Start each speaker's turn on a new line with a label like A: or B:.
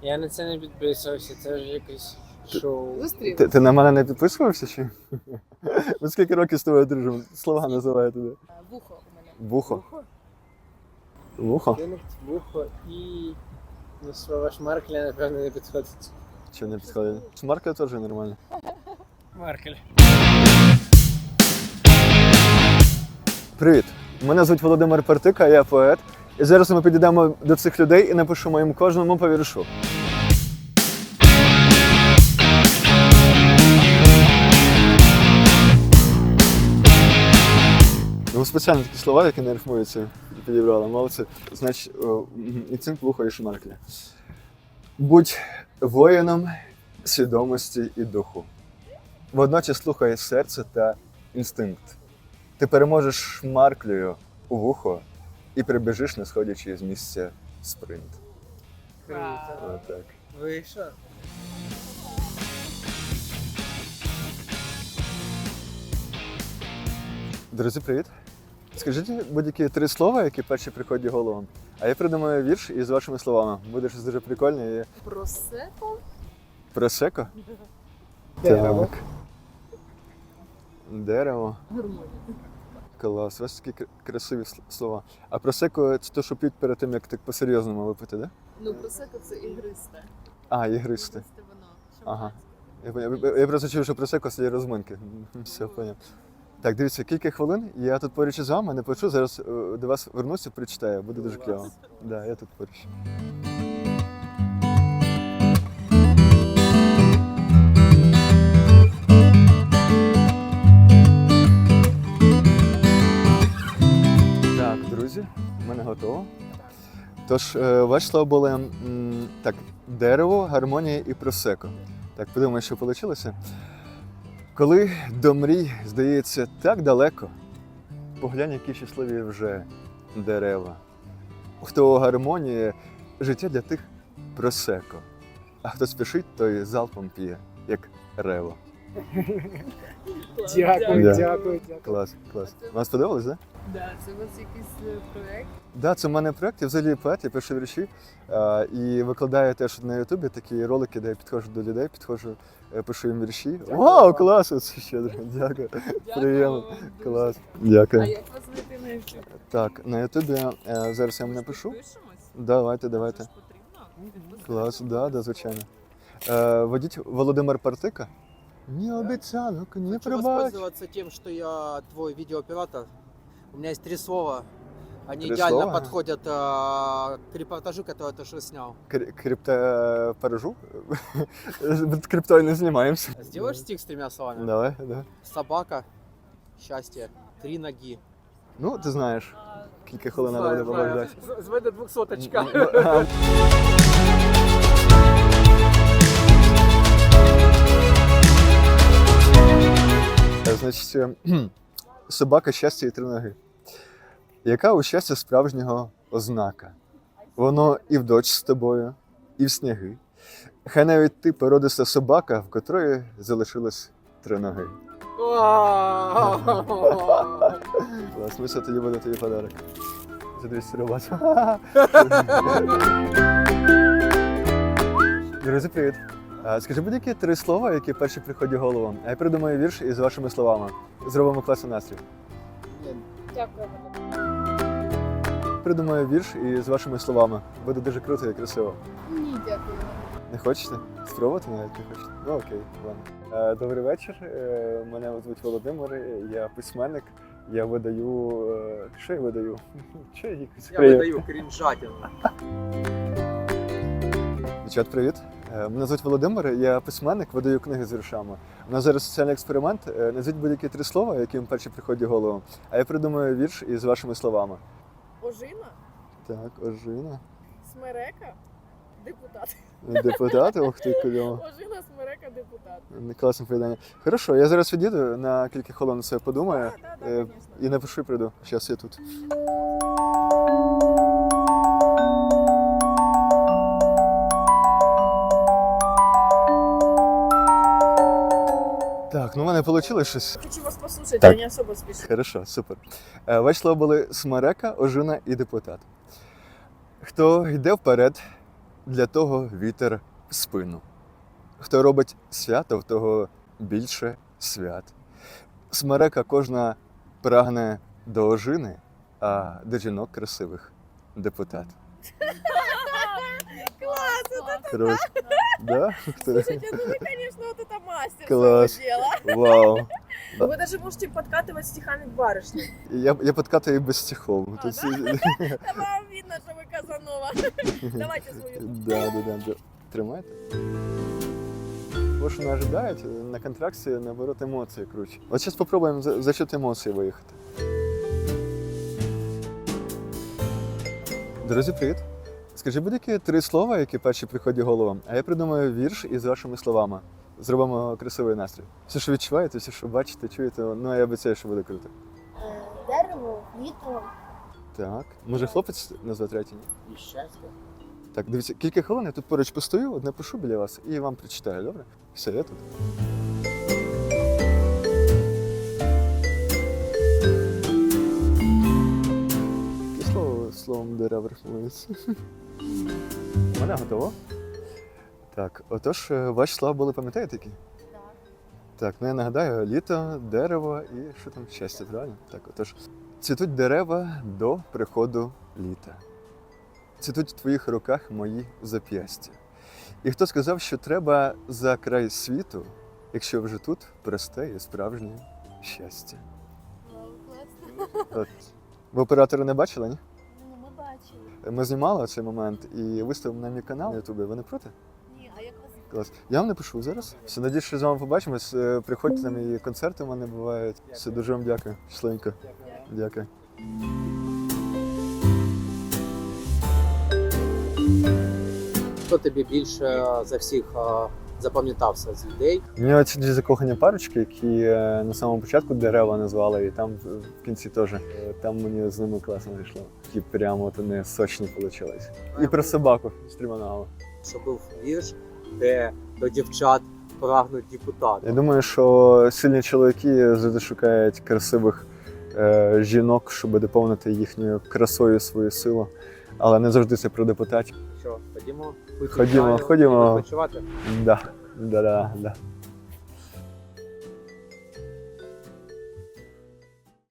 A: Я на це не підписувався, це вже якесь шоу.
B: Зустрів.
C: Ти на мене не підписувався чи? Ми скільки років з тобою дружимо? Слова називаю туди.
B: Вухо у мене.
C: Вухо. Вухо?
A: Кинуть вухо і до слова шмаркля, напевно, не підходить.
C: Чи не підходить? Шмаркля теж нормально.
A: Маркель.
C: Привіт! Мене звуть Володимир Партика, я поет. І зараз ми підійдемо до цих людей і напишемо їм кожному по віршу. Ну, спеціально такі слова, які не рифмуються, підібрали. Молодці. Значить, і цинк, вухо і шмаркля. Будь воїном свідомості і духу. Водночас слухай серце та інстинкт. Ти переможеш шмарклею у вухо і прибіжиш, не сходячи з місця спринт.
A: Круто.
C: Отак.
A: Вийшло.
C: Друзі, привіт! Скажіть будь-які 3 слова, які перші приходять в голову. А я придумаю вірш із вашими словами. Буде щось дуже прикольне.
B: Просеко?
C: Просеко?
A: Дерево.
C: Так. Дерево.
B: Гармонія.
C: Клас. У вас такі красиві слова. А просеко – це те, що п'ють перед тим, як так по-серйозному випити, так?
B: Ну, просеко це ігристе.
C: А, ігристе.
B: Ігристе вино.
C: Ага.
B: Шампанське.
C: Я просто чув, що просеко – це є розминки. Все, поняв. Так, дивіться, кілька хвилин, я тут поруч із вами, не почув, зараз до вас вернуся, прочитаю, буде дуже кльово. Да, я тут поруч. Так, друзі, в мене готово. Тож, ваші слова були так, дерево, гармонія і просеко. Так, подумаю, що вийшло. Коли до мрій здається так далеко, поглянь, які щасливі вже дерева. Хто гармонія, життя для тих просеко. А хто спішить, той залпом п'є, як рево.
A: Дякую,
C: Да.
A: дякую, дякую.
C: Клас, клас. Вам сподобалось, так?
B: Да, це у вас якийсь проєкт?
C: Да, це в мене проєкт, я взагалі поет, я пишу вірші і викладаю теж на Ютубі такі ролики, де я підходжу до людей, пишу їм вірші. Вау, клас! Це щедро, дякую. Приємно, клас.
B: А
C: Дякую.
B: як вас знайти на YouTube?
C: Так, на Ютубі зараз я вам напишу.
B: Підпишемось?
C: Давайте.
B: Це ж потрібно.
C: Клас, да, звичайно. Введіть Володимир Партика. Ні обіцянок, ні
D: Хочу
C: пробач.
D: воспользоваться тем, что я твой видеооператор. У меня есть 3 слова. Они
C: 3
D: идеально
C: слова?
D: подходят к репортажу, который ты что снял.
C: Крипто-пережу? Від криптою не знімаємося.
D: Сделаешь стих с 3 словами?
C: Давай, да.
D: Собака, счастье, 3 ноги.
C: Ну, ти знаєш, кілька хвилин треба буде побажати.
D: З мене 200-очка.
C: Значить, собака, щастя і 3 ноги. Яка у щастя справжнього ознака? Воно і в дощ з тобою, і в сніги. Хай навіть ти породиста собака, в котрої залишилось 3 ноги. Клас, ми тоді буде тобі подарок. За 200 рублів. Друзі, привіт. Скажи будь-які 3 слова, які перші приходять в голову. А я придумаю вірш із вашими словами. Зробимо класний настрій.
B: Дякую.
C: Придумаю вірш із вашими словами. Буде дуже круто і красиво.
B: Ні, дякую.
C: Не хочете? Спробувати навіть не хочете? Ну окей, ладно. Добрий вечір. Мене звуть Володимир, я письменник. Я видаю. Що я видаю? Що я якось
D: Я выдаю кринжатину.
C: Дівчат, привіт. Мене звуть Володимир, я письменник, видаю книги з віршами. У нас зараз соціальний експеримент. Назвіть будь-які 3 слова, які вам перші приходять в голову. А я придумаю вірш із вашими словами.
B: Ожина,
C: Так, ожина.
B: смерека, депутат.
C: Депутати, ох ти, кульово.
B: Ожина, смерека, депутат.
C: Класне поєднання. Хорошо, я зараз відійду, на кілька хвилин все подумаю
B: Так, звісно.
C: і напишу і прийду. Зараз я тут. Так, ну в мене вийшло щось.
B: Хочу вас послушать,
C: Так.
B: я не особо спешу.
C: Хорошо, супер. Ваші слова були смерека, ожина і депутат. Хто йде вперед, для того вітер в спину. Хто робить свято, в того більше свят. Смерека кожна прагне до ожини, а до жінок красивих депутат.
B: Класс!
C: Круто. Да?
B: Слушайте, ну вы, конечно, вот это мастер
C: Класс.
B: своего дела.
C: Вау.
B: Вы даже можете подкатывать стихами к барышне.
C: Я подкатую без стихов.
B: А,
C: Тут
B: да?
C: всі-
B: Да вам видно, что вы Казанова. Давайте свою.
C: Да. Тримайте. Бо що не ожидають, на контракті, наоборот, емоції круче. От зараз спробуємо за счет емоцій виїхати. Друзі, привіт! Скажи будь-які 3 слова, які перші приходять в голову, а я придумаю вірш із вашими словами. Зробимо красивий настрій. Все, що відчуваєте, все, що бачите, чуєте, ну я обіцяю, що буде круто.
E: Дерево, літо
C: Так. Може хлопець назве третій?
A: І щастя.
C: Так, дивіться, кілька хвилин я тут поруч постою, одне пишу біля вас і вам прочитаю, добре? Все, я тут. Яке слово словом дерева рифмується? У мене готово. Так, отож, ваші слова були, пам'ятаєте які?
E: так.
C: Так, ну я нагадаю, літо, дерево і що там, щастя, правильно? Так, отож, цвітуть дерева до приходу літа. Цвітуть в твоїх руках мої зап'ястя. І хто сказав, що треба за край світу, якщо вже тут просте і справжнє щастя.
E: Вау, класно.
C: От. Ви оператора не бачили, ні?
E: Ну, ми бачили.
C: Ми знімали цей момент і виставимо на мій канал на Ютубі. Ви не проти?
E: Ні, а як вас?
C: Клас. Я вам напишу зараз. Все, надіюсь, що з вами побачимось. Приходьте на мої концерти, у мене бувають. Все, дуже вам дякую. Щасливенько. Дякую.
D: Хто тобі більше за всіх запам'ятався з людей?
C: Мені оці дві закохані парочки, які на самому початку дерева назвали, і там в кінці теж. Там мені з ними класно вийшло. Такі прямо от вони сочні вийшли. І про собаку Стріманова.
D: Що був вірш, де до дівчат прагнуть депутати.
C: Я думаю, що сильні чоловіки завжди шукають красивих жінок, щоб доповнити їхньою красою свою силу. Але не завжди це про депутатів.
D: Що, ходімо?
C: Ходімо.
D: Відпочивати?
C: Да.